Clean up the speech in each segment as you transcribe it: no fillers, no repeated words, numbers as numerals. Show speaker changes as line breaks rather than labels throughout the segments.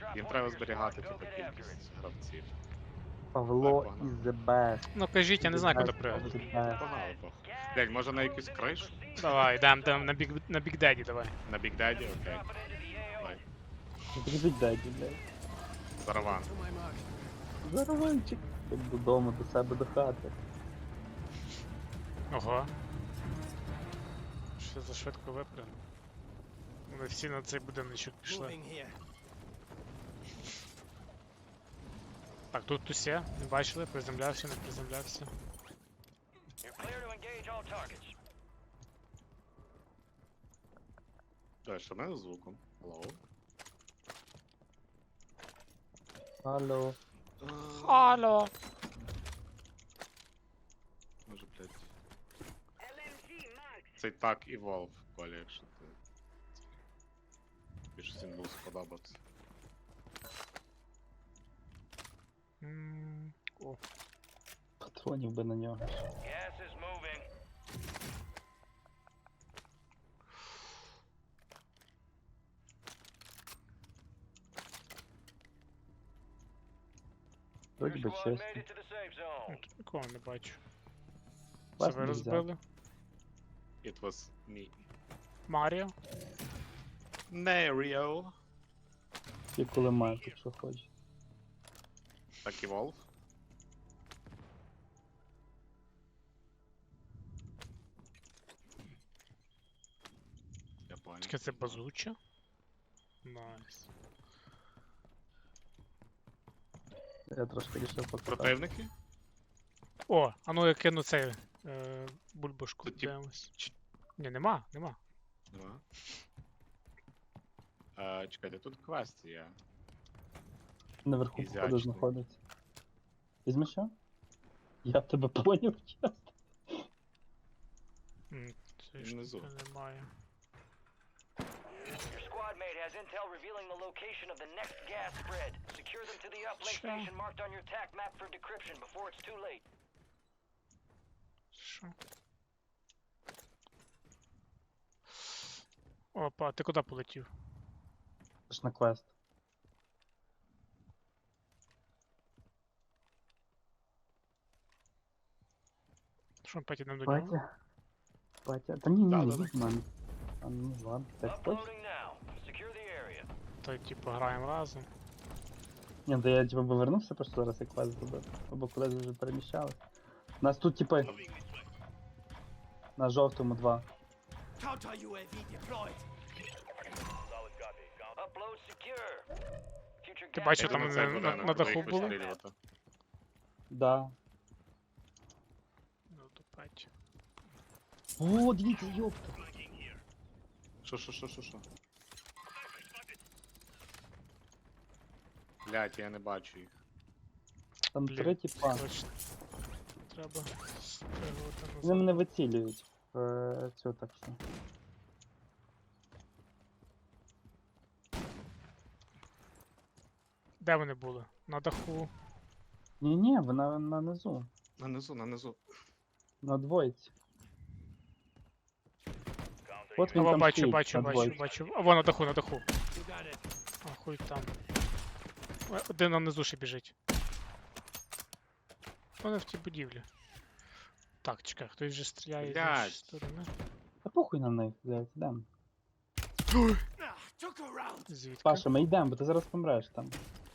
Їм треба зберігати типу, кількість гравців.
Павло
Так,
is the best.
Ну кажіть, я не знаю, куди
The best
пригати.
of the best.
Погнали, пох. Блядь, може на якусь кришу?
Давай, йдем на Big Daddy, давай.
На Big Daddy, окей. Давай.
Підбіть даді, блядь.
Зараван.
Зараванчик. Як додому, до себе до хати.
Ого. Що за швидко випрягнув? Вони всі на цей будиночок пішли. Так, тут усе, не бачили, приземлявся, не приземлявся.
Давай, що в мене з звуком? Hello?
Алло.
Алло!
Може, блядь. Цей так Evolve, Коля, якщо ти... Більше всім був сподобатися.
О,
Патронів би на нього. Вроді би чесно.
ну, тут нікого не бачу. Це
Вас
ви
не
розбили?
It was me.
Маріо?
Mario.
І коли має, якщо хоче.
Так Evolve. Я понял.
Тільки це базуча? Найс.
Я трошки рішив покатати.
Противники?
О, а ну я кину цей бульбашку,
Тут тип-
дивимось.
ч-
Ні, нема.
Нема. Чекайте, тут квест є.
Наверху походу
Ізячний.
знаходиться. Візьми що? Я тебе поняв, чесно.
Це ж
Внизу.
немає.
Your squad mate has intel revealing the location of the next gas spread. Secure them to the uplink
Sure.
station marked on your TAC map for decryption before it's too late.
Що? Опа, ти куди полетів?
Це ж на квест.
Що, потім до нього?
Патя? Патя? Та ні,
Да,
ні,
да,
не від мене. А ну ладно, так точно.
Uploading now. Secure the area.
Та типу граємо разом.
Ні, то я типу повернувся, просто зараз як квест зробив. Або кудись вже переміщали. У нас тут типи. На жовтому 2.
Counter UAV deployed.
Upload secure. Future
Ти
gas
бачив,
Я
там
думаю, цей
на
будинок,
даху
буде їх
було?
вистрілювати.
Да.
Ну, то пать.
О, дивіться, ёпта.
Що? Блять, я не бачу їх.
Там
Блін,
3 типа.
Точно. Треба спригувати
Вони
назад.
мене вицілюють. Цю так що.
Де вони були? На даху.
Ні-ні, вона на низу.
Нанизу.
На двойці. От він
О,
там
бачу,
стоїть,
бачу,
на
бачу,
двойці.
бачу. А, вон на даху, на даху.
You got it.
А, хуй там. Один нам внизу ще біжить. Вони в тій будівлі. Так, чекай, хтось вже стріляє з
Блядь.
нашої сторони.
Та похуй на них, блядь, йдем.
Ah, took a round.
Звідки?
Паша, ми йдемо, бо ти зараз помреш там.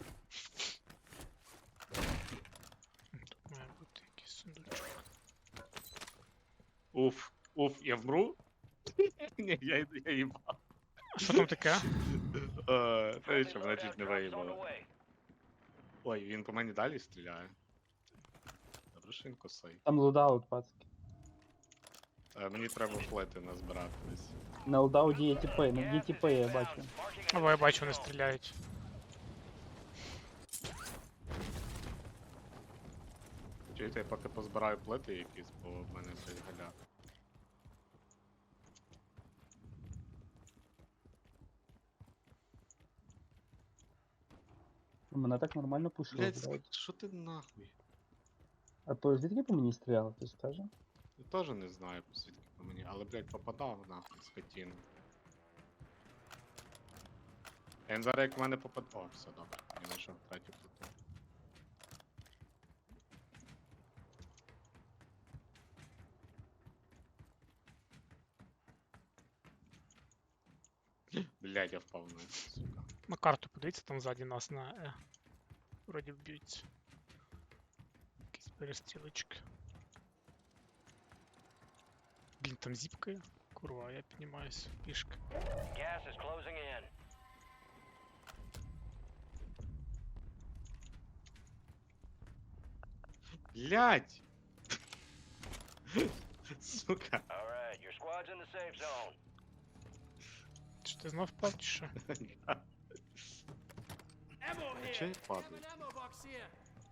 Тут має бути якийсь сундучок.
Уф, я вмру? Ні, я їбав.
А що там таке?
Та нічого, мене чуть не
Drop zone
виїбало.
away.
Ой, він по мені далі стріляє. Добре, що він косий.
Там лудаут, пацки.
Мені треба флети назбирати десь.
На лудауті є тіпи, є тіпи, я бачу.
Marking
Або я бачу, вони стріляють.
Чуєте, я поки позбираю плити якісь, бо в мене цей галяк.
Мене так нормально пушило,
Блять,
блядь.
що ти нахуй?
А то звідки по мені стріляли, ти скаже?
Я теж не знаю, звідки по мені, але, блять, попадав нахуй скотину. Він зараз як в мене попаде. О, все добре. Я знайшов третю плиту. Блядь, я впав на це, сука.
На карту подивіться, там ззаді нас на Е. Вроді вб'ються. Якісь перестрілочки. Блін, там зіпкає. Курва, я піднімаюсь пішки.
Gas is closing in.
Блядь! Сука.
All right, your squad's in the safe zone.
Чи ти знов впав, чи що?
Ammo here.
Чей
Have
падає?
an ammo box here.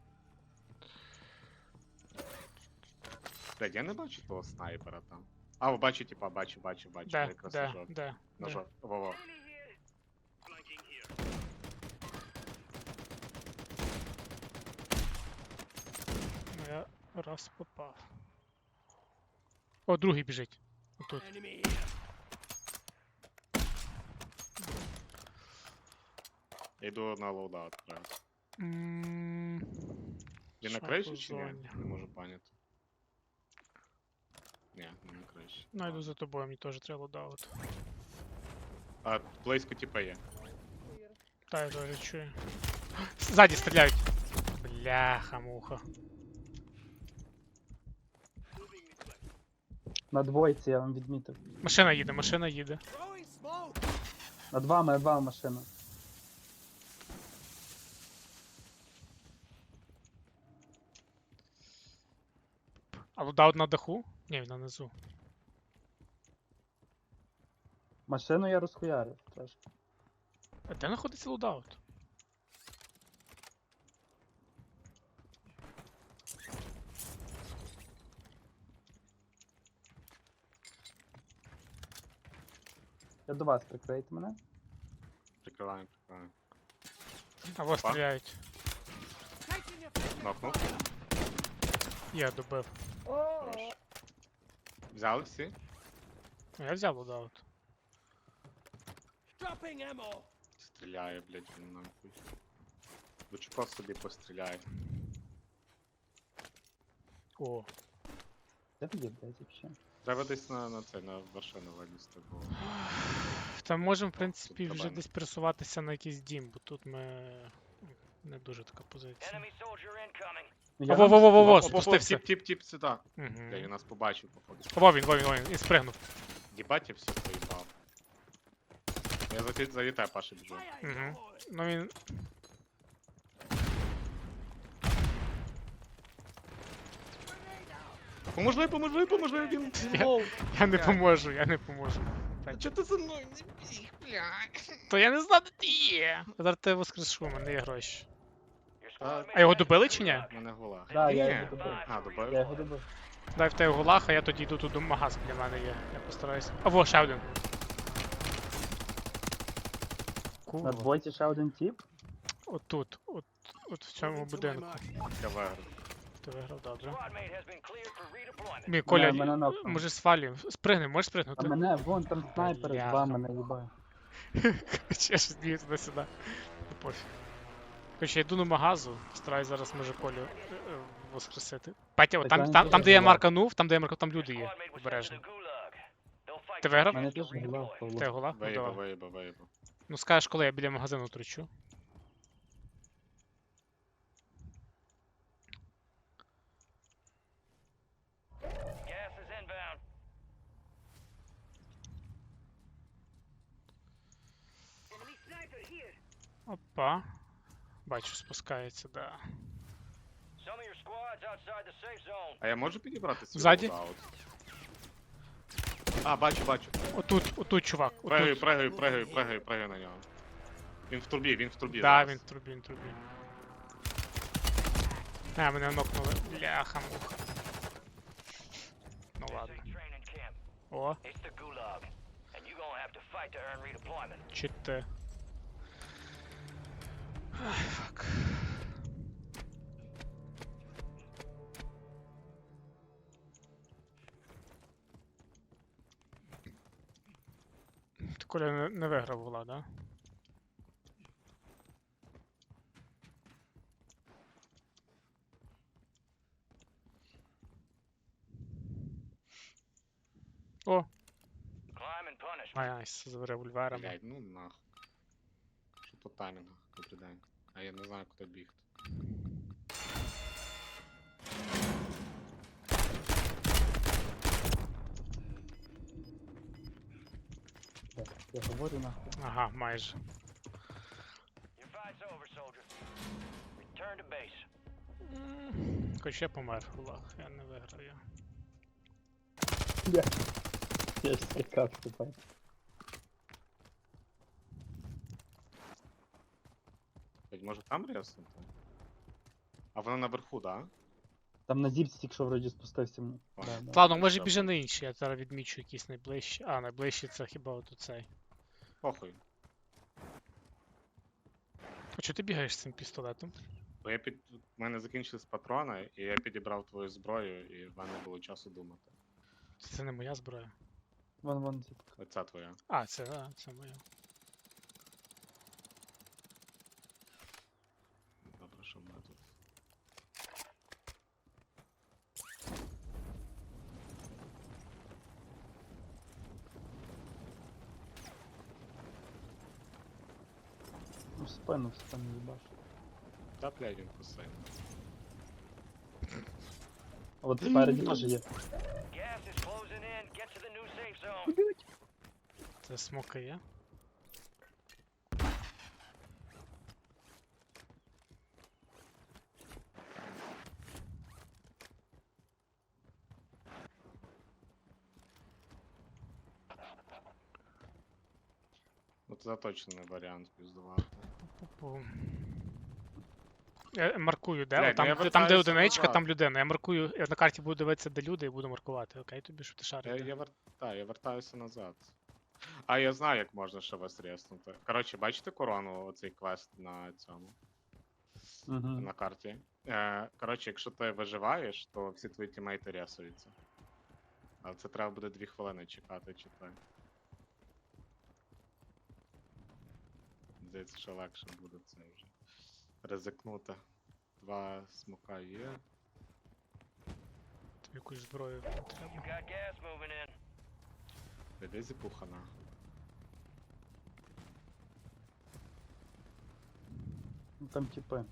Блядь, я не бачу того снайпера там. А, бачу, типа, бачу.
Де,
Якраз
де,
ножок.
де, де.
Ножок. Во-во.
Ну я раз попав. О, другий біжить. Отут.
Enemy here.
Я йду на лоудаут зараз.
М,
Він на
що
криші
по
чи ні?
зоні?
Не можу поняти. Ні, не на криші.
Ну, йду за тобою, мені теж треба лодаут.
А близько типа є.
Та, я теж чую. Ззаді стріляють. Бляха-муха.
На двойці я вам відмітив.
Машина їде, машина їде.
Throwing smoke.
Над вами машина.
А лодаут на даху? Ні, він на низу.
Машину я розхуярив трошки.
А де знаходиться лодаут?
Я до вас прикрийте мене.
Прикриваємо.
А вас стріляють.
Taking your fire.
Нокнув.
Я добив.
Хорош. Взяли всі?
Ну, я взяв лодаут.
Dropping ammo.
Стріляє, блядь, він нахуй. Лучко собі постріляє.
О,
Де ви є, блядь, вообще?
Треба десь на це, на вершину вилізти, бо...
там можемо, в принципі,
Тут
вже
треба.
десь пересуватися на якийсь дім, бо тут ми... Не дуже така позиція.
Enemy soldier incoming.
Ну, я
Во-во-во-во-во,
О,
спустився.
Тіп сюди. Бля, він
Угу.
нас побачив, походу.
Во він, він спригнув.
Дібать, я все поїбав. Я за літай, Паша, біжу.
Fire
Мгм.
in the hole.
Ну він...
Поможи, він...
Я не поможу, я не поможу.
А чого ти за мною не біг, блядь?
То я не знаю, де ти є. Я зараз тебе воскрешу, у мене є гроші.
Your squad
А його
mate has
добили
been
чи ні?
У мене гола.
Да, я
Ні.
його добив.
А, добив?
Я його добив.
Дай в тебе гулах, а я тоді йду тут до магаз біля мене є. Я постараюся. А во, ще один.
На
Курва.
двойці ще один тіп.
Отут, от в цьому
Moving to my
будинку.
mark.
Я виграв.
Ти виграв, добре.
Squad mate has been cleared for redeployment.
Мій Коля,
мене нокнув.
може свалюємо. Спригни, можеш
А
спригнути?
мене, вон там снайпер з
Бляха.
вами наїбає.
Короче, я ж б'ю туди-сюди. Ну пофіг. Короче, я йду на магазу, стараюсь зараз може Колю воскресити. Петя, от
Так
там,
я
там,
не
там, де я
переживаю.
марканув, там люди є.
Squad mate was sent to
Обережно.
the gulag. They'll fight
Ти
to
виграв?
the end
Мене
to
теж гуляв
redeploy.
Павло.
Ти гула? Ну давай.
Виїбав.
Ну скажеш, коли я біля магазину тручу.
Gas is inbound.
Опа. Бачу, спускається, да.
Some of your squads outside the safe zone.
А я можу підібрати свій
Ззаді?
лоудаут? А, бачу.
Отут, чувак. Отут.
Пригаю на нього. Він в трубі
Да,
зараз.
він в трубі. А, мене нокнули. Бляха-муха. Ну
This
ладно.
ain't training camp.
О,
It's the gulag. And you're gonna have to fight to earn redeployment.
чи ти. Ай, фак. Ти Коля не виграв гула, да? О,
Climb and punish.
найс, з револьверами.
Блядь, ну нахуй. Що по таймінгу, добрий день. А я не знаю, куди бігти.
Я говорю нахуй.
Ага, майже.
Your fight's over, soldier. Return to base.
Хоч я помер, Гулаг, я не виграю.
Я ж скакав тепер.
Блядь, може там ряснути? А воно наверху, да?
Там на зіпці тільки що вроді спустився.
Ладно.
Да, да.
Ладно, може
Добре.
біжи на інші, я зараз відмічу якісь найближчі. А, найближчі це хіба от цей.
Похуй.
А чого ти бігаєш з цим пістолетом?
Бо у мене закінчились патрони, і я підібрав твою зброю, і в мене було часу думати.
Це не моя зброя.
Вон зіпка.
Оця твоя.
А, це моя.
Добре, що в мене тут.
Ну, в спину їбаш.
Та, блядь, він постійно.
А от спереді теж є.
Gas is closing in. Get to the new safe zone.
Це смока є.
Ну це точно не варіант піздувати.
Пу-пу. Я маркую, де?
Блядь,
Там,
ну я
там, де
вертаюся
одиничка,
назад.
там людина. Я маркую, я на карті буду дивитися, де люди, і буду маркувати, окей? Тобі що ти
Я,
шариш?
я вертаюся назад. А я знаю, як можна ще вас рєснути. Коротше, бачите корону, оцей квест на цьому,
Угу.
на карті? Коротше, якщо ти виживаєш, то всі твої тімейти рєсуються. Але це треба буде 2 хвилини чекати, чи так. Здається, що легше буде це вже ризикнути. 2 смока є.
Тобі якусь зброю не
You
треба.
got gas moving in.
Де зіпуха нахуй?
Ну, там типи.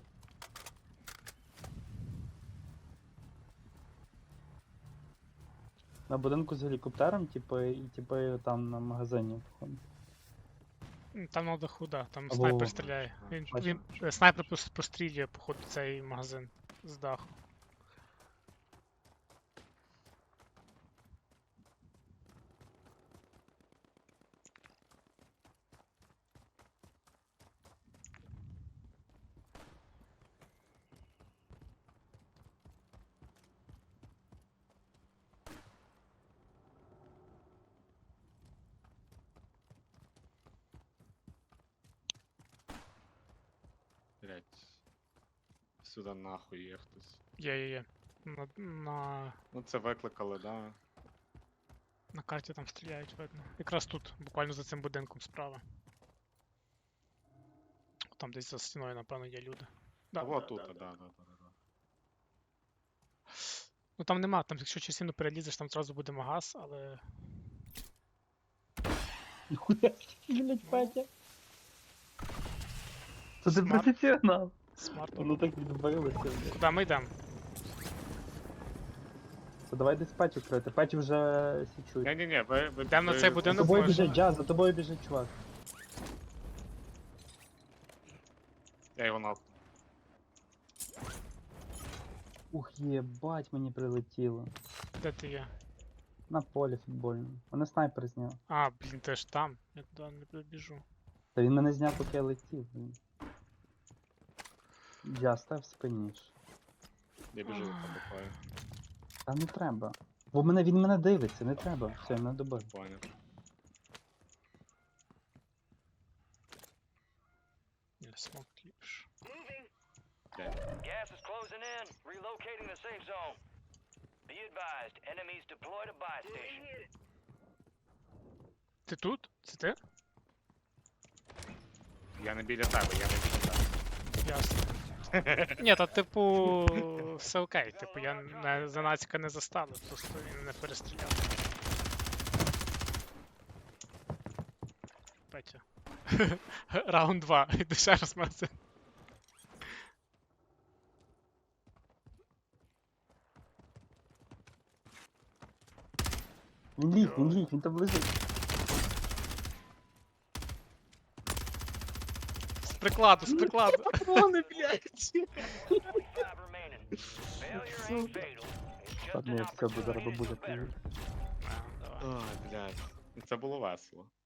На будинку з гелікоптером, типи, і типи там на магазині. походу.
Там на даху, да, там
Або-
снайпер стріляє. Він,
Бачу.
снайпер пострілює, походу, цей магазин з даху.
Блять. Сюди нахуй є хтось.
Є. На
Ну це викликали, да.
карті там стріляють, видно. Якраз тут, буквально за цим будинком справа. Там десь за стіною, напевно, є люди. Да,
Вот
да,
тут,
да,
да,
да.
да.
Ну там нема, там якщо частину перелізеш, там зразу буде магаз, але.
Ніхуя, блять, Петя. Це ти
Смарт.
професіонал.
Смарт.
Воно так відбилося, блядь.
Куди ми йдемо?
То давай десь Петю крити. Петю вже січують.
Ні-ні-ні, ви
Йдемо на цей
За
будинок,
тобою
може?
біжить, Джаз, за тобою біжить чувак.
Я його нахуй.
Ух, єбать, мені прилетіло.
Де ти є?
На полі футбольному. Мене снайпер зняв.
А, блін, ти ж там. Я туди не добіжу.
Та він мене зняв, поки я летів, блін. Джаз, став спиніш.
Я біжу за тобою.
Та не треба. Бо він мене дивиться, не треба. Все, я мене добив.
Поняв.
Ні, смок ліпше.
Gas is closing in. Relocating the safe zone. Be advised, enemies deployed a buy station.
Ти тут? Це ти?
Я не біля тебе, я не біля тебе.
Ясно. Ні, та типу, все окей. Типу, я занацька не заставив, просто він не перестріляв. Петя. Раунд 2. Іди ще раз магазин.
Він ліг, він там лежить.
З прикладу, з прикладу.
Патрони, блядь!
25 remaining. Failure ain't fatal. It's
Так,
just an
ну все, буде
opportunity
зараз
to do
бабуля
better.
приїде.
Давай.
Ой, блядь. Це було весело.